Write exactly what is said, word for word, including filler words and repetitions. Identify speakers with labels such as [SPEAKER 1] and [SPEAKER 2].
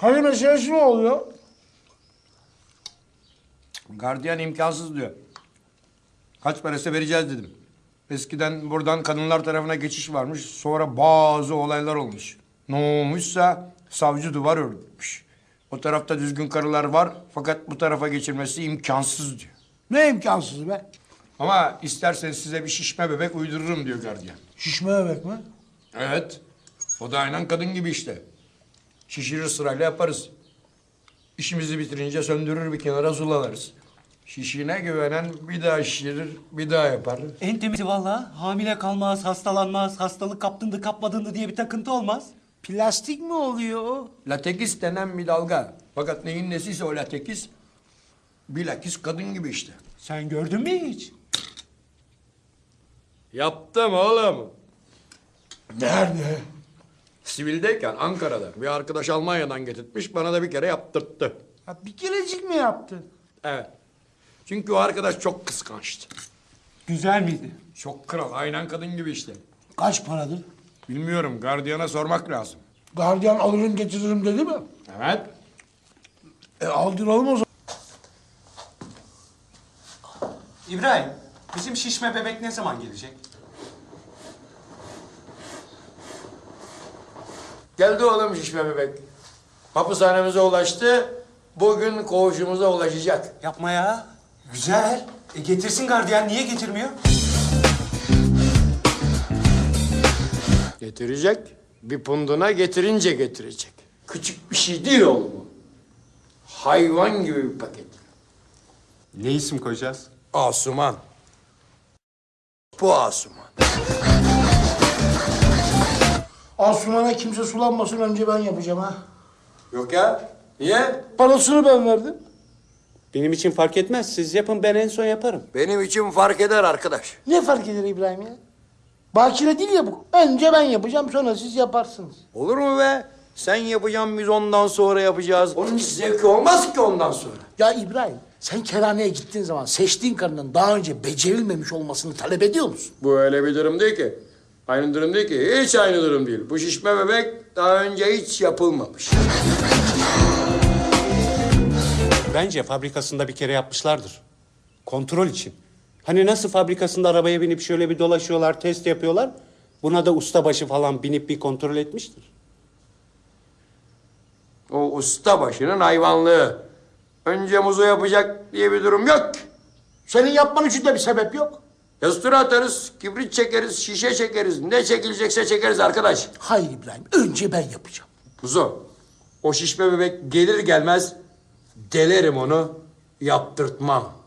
[SPEAKER 1] Hani meselesi mi oluyor?
[SPEAKER 2] Gardiyan imkansız diyor. Kaç parası vereceğiz dedim. Eskiden buradan kadınlar tarafına geçiş varmış. Sonra bazı olaylar olmuş. Ne olmuşsa savcı duvar örmüş. O tarafta düzgün karılar var fakat bu tarafa geçirmesi imkansız diyor.
[SPEAKER 1] Ne imkansız be?
[SPEAKER 2] Ama isterseniz size bir şişme bebek uydururum diyor gardiyan.
[SPEAKER 1] Şişme bebek mi?
[SPEAKER 2] Evet. O da aynen kadın gibi işte. Şişirir sırayla yaparız. İşimizi bitirince söndürür bir kenara zulalarız. Şişine güvenen bir daha şişirir, bir daha yapar.
[SPEAKER 3] En temizi vallahi. Hamile kalmaz, hastalanmaz, hastalık kaptığında kapmadığında diye bir takıntı olmaz.
[SPEAKER 1] Plastik mi oluyor o?
[SPEAKER 2] Latekis denen bir dalga. Fakat neyin nesiyse o latekis, bilakis kadın gibi işte.
[SPEAKER 3] Sen gördün mü hiç?
[SPEAKER 2] Yaptım oğlum.
[SPEAKER 1] Nerede?
[SPEAKER 2] Sivildeyken Ankara'da bir arkadaş Almanya'dan getirtmiş, bana da bir kere yaptırttı.
[SPEAKER 1] Ha, bir kerecik mi yaptın?
[SPEAKER 2] Evet. Çünkü o arkadaş çok kıskançtı.
[SPEAKER 3] Güzel miydi?
[SPEAKER 2] Çok kral, aynen kadın gibi işte.
[SPEAKER 1] Kaç paradır?
[SPEAKER 2] Bilmiyorum, gardiyana sormak lazım.
[SPEAKER 1] Gardiyan alırım getiririm dedi mi?
[SPEAKER 2] Evet.
[SPEAKER 1] E aldıralım o zaman.
[SPEAKER 4] İbrahim, bizim şişme bebek ne zaman gelecek?
[SPEAKER 2] Geldi oğlum şişme bebek. Hapishanemize ulaştı. Bugün koğuşumuza ulaşacak.
[SPEAKER 4] Yapma ya. Güzel. E getirsin gardiyan, niye getirmiyor?
[SPEAKER 2] Getirecek. Bir punduna getirince getirecek. Küçük bir şey değil oğlum bu. Hayvan gibi bir paket.
[SPEAKER 4] Ne isim koyacağız?
[SPEAKER 2] Asuman. Bu Asuman.
[SPEAKER 1] Asuman'a kimse sulanmasın önce ben yapacağım ha.
[SPEAKER 2] Yok ya. Niye?
[SPEAKER 1] Parasını ben verdim.
[SPEAKER 3] Benim için fark etmez. Siz yapın, ben en son yaparım.
[SPEAKER 2] Benim için fark eder arkadaş.
[SPEAKER 1] Ne fark eder İbrahim ya? Bakire değil ya bu. Önce ben yapacağım sonra siz yaparsınız.
[SPEAKER 2] Olur mu be? Sen yapacaksın, biz ondan sonra yapacağız. Onun hiç zevki olmaz ki ondan sonra.
[SPEAKER 1] Ya İbrahim sen kerhaneye gittiğin zaman seçtiğin karının daha önce becerilmemiş olmasını talep ediyor musun?
[SPEAKER 2] Bu öyle bir durum değil ki. Aynı durum değil ki. Hiç aynı durum değil. Bu şişme bebek daha önce hiç yapılmamış.
[SPEAKER 3] Bence fabrikasında bir kere yapmışlardır. Kontrol için. Hani nasıl fabrikasında arabaya binip şöyle bir dolaşıyorlar, test yapıyorlar. Buna da ustabaşı falan binip bir kontrol etmiştir.
[SPEAKER 2] O usta başının hayvanlığı. Önce muzu yapacak diye bir durum yok.
[SPEAKER 1] Senin yapman için de bir sebep yok.
[SPEAKER 2] Yastıra atarız, kibrit çekeriz, şişe çekeriz. Ne çekilecekse çekeriz arkadaş.
[SPEAKER 1] Hayır İbrahim önce ben yapacağım.
[SPEAKER 2] Muzo, o şişme bebek gelir gelmez delerim onu, yaptırtmam.